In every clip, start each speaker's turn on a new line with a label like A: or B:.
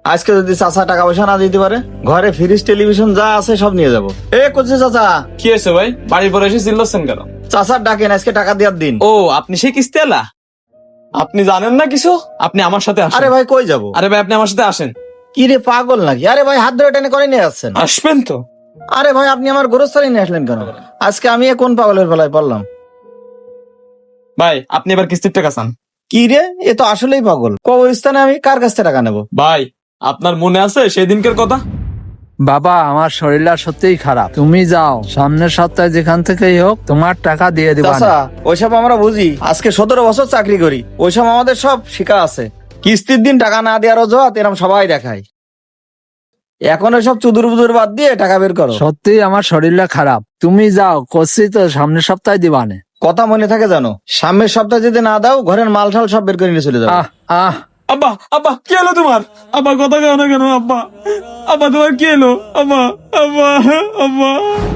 A: আজকে যদি চাচা টাকা পয়সা না দিতে পারে, ঘরে ফ্রিজ টেলিভিশন যা আছে সব নিয়ে যাবো। করছে চাচা।
B: কি হয়েছে ভাই, বাড়ির পরে এসে চিল্লাচ্ছেন কেন?
A: চাচার ডাকেন, আজকে টাকা দেওয়ার দিন।
B: ও, আপনি সেই কিস্তি আলা? আপনি জানেন না কিছু? আপনি আমার সাথে আসেন।
A: আরে ভাই কই যাবো?
B: আরে ভাই, আপনি আমার সাথে আসেন।
A: কি রে পাগল নাকি? আরে ভাই হাত ধরে টেনে করে নিয়ে যাচ্ছেন।
B: আসবেন তো?
A: আরে ভাই আপনি আমার গোরস্থানে নিয়ে আসলেন কেন? আজকে আমি কোন পাগলের বেলায় পড়লাম?
B: ভাই, আপনি এবার কিস্তির টাকা চান।
A: কি রে, এ তো আসলেই পাগল। কবরস্থানে আমি কার কাছ থেকে টাকা নেবো?
B: ভাই, আপনার মনে আছে সেদিনকার কথা?
C: বাবা, আমার শরীরটা সত্যিই খারাপ, তুমি যাও, সামনের সপ্তাহে যেখান থেকেই হোক তোমার টাকা দিয়ে দিবা।
A: চাচা ওইসব আমরা বুঝি, আজকে 17 বছর চাকরি করি, ওইসব আমাদের সব শিখা আছে। কিস্তির দিন টাকা না দেওয়ার অজুহাত এরকম সবাই দেখায়। এখন ওইসব চুদুর বুদুর বাদ দিয়ে টাকা বের করো।
C: সত্যি আমার শরীরটা খারাপ, তুমি যাও, করছি তো সামনের সপ্তাহে দিবানে।
A: কথা মনে থাকে জানো, সামনের সপ্তাহে যদি না দাও ঘরের মাল ঠাল সব বের করে নিয়ে চলে যাবে।
C: আহ আহ
B: আব্বা, আব্বা কি হলো তোমার? আব্বা কথা কেন না কেন? আব্বা, আব্বা তোমার কি হলো? আব্বা, আব্বা, আব্বা।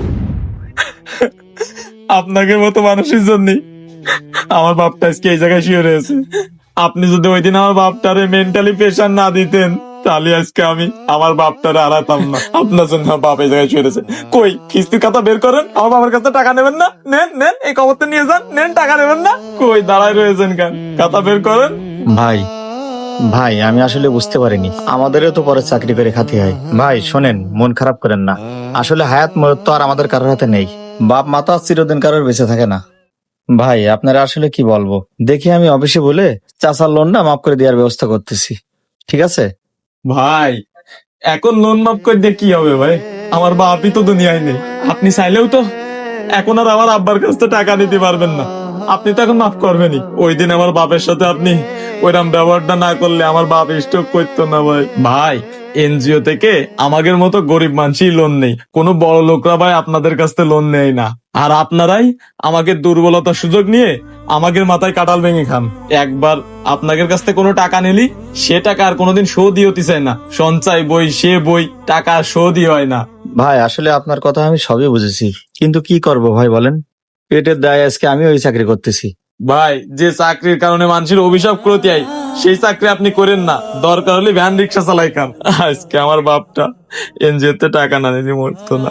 B: আপনাকে মতো মানুষের জন্য আমার বাপটা আজকে এই জায়গায় শুয়ে রয়েছে। আপনি যদি ওই দিন আমার বাপটারে মেন্টালি প্রেশার না দিতেন, তাহলে আজকে আমি আমার বাপটারে হারাতাম না। আপনার জন্য আমার বাপ এই জায়গায় শুয়ে রয়েছে। কই, কিস্তির খাতা বের করেন, আমার বাবার কাছে টাকা নেবেন না? নেন নেন, এই খবরটা নিয়ে যান, নেন, টাকা নেবেন না? কই দাঁড়ায় রয়েছেন কেন? খাতা বের করেন।
A: ভাই ভাই আমি আসলে বুঝতে পারিনি, আমাদেরও তো পরে চাকরি করে খাতে হয়। ভাই শোনেন, মন খারাপ করেন না। আসলে হায়াত মরত তো আর আমাদের কারোর হাতে নেই। বাপ মা তো আর চিরদিন কারোর বেঁচে থাকে না। ভাই আপনারা আসলে কি বলবো, দেখি আমি অফিসে বলে চাচার লোনটা মাফ করে দেওয়ার ব্যবস্থা করতেছি, ঠিক আছে?
B: ভাই, এখন লোন মাফ করে দিয়ে কি হবে ভাই? আমার বাপই তো দুনিয়ায় নেই। আপনি চাইলেও তো এখন আর আমার আব্বার কাছ থেকে টাকা নিতে পারবেন না। আপনি তো এখন মাফ করবেনই। ওই দিন আমার বাপের সাথে আপনি ওইরকম ব্যবহারটা না করলে আমার বাপ স্টক করতো না ভাই। ভাই, এনজিও থেকে আমাদের মতো গরিব মানুষই লোন নেই, কোনো বড় লোকরা ভাই আপনাদের কাছ থেকে লোন নেয় না। আর আপনারাই আমাকে দুর্বলতার সুযোগ নিয়ে আমাদের মাথায় কাটাল ভেঙে খান। একবার আপনাদের কাছ থেকে কোনো টাকা নিলি, সে টাকা আর কোনোদিন শোধই হতে চায় না। সঞ্চয় বই, সে বই, টাকা শোধই হয় না।
A: ভাই আসলে আপনার কথা আমি সবই বুঝেছি, কিন্তু কি করব ভাই বলেন, পেটের দায় আজকে আমি ওই চাকরি করতেছি।
B: ভাই, যে চাকরির কারণে মানুষের অভিশাপ করতে হয়, সেই চাকরি আপনি করেন না। দরকার হলে ভ্যান রিক্সা চালাই খান। আজকে আমার বাপটা এনজিওতে টাকা না নিলে মরতো না।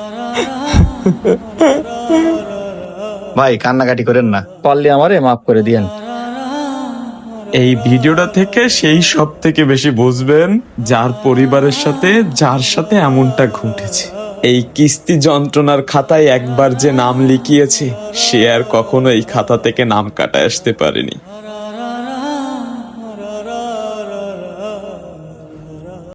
A: ভাই কান্নাকাটি করেন না, পারলে আমারে মাফ করে দিয়েন।
B: এই ভিডিওটা থেকে সেই সব থেকে বেশি বুঝবেন যার পরিবারের সাথে, যার সাথে এমনটা ঘটেছে। এই কিস্তি যন্ত্রণার খাতায় একবার যে নাম লিখিয়েছে, সে আর কখনো এই খাতা থেকে নাম কাটায় আসতে পারেনি।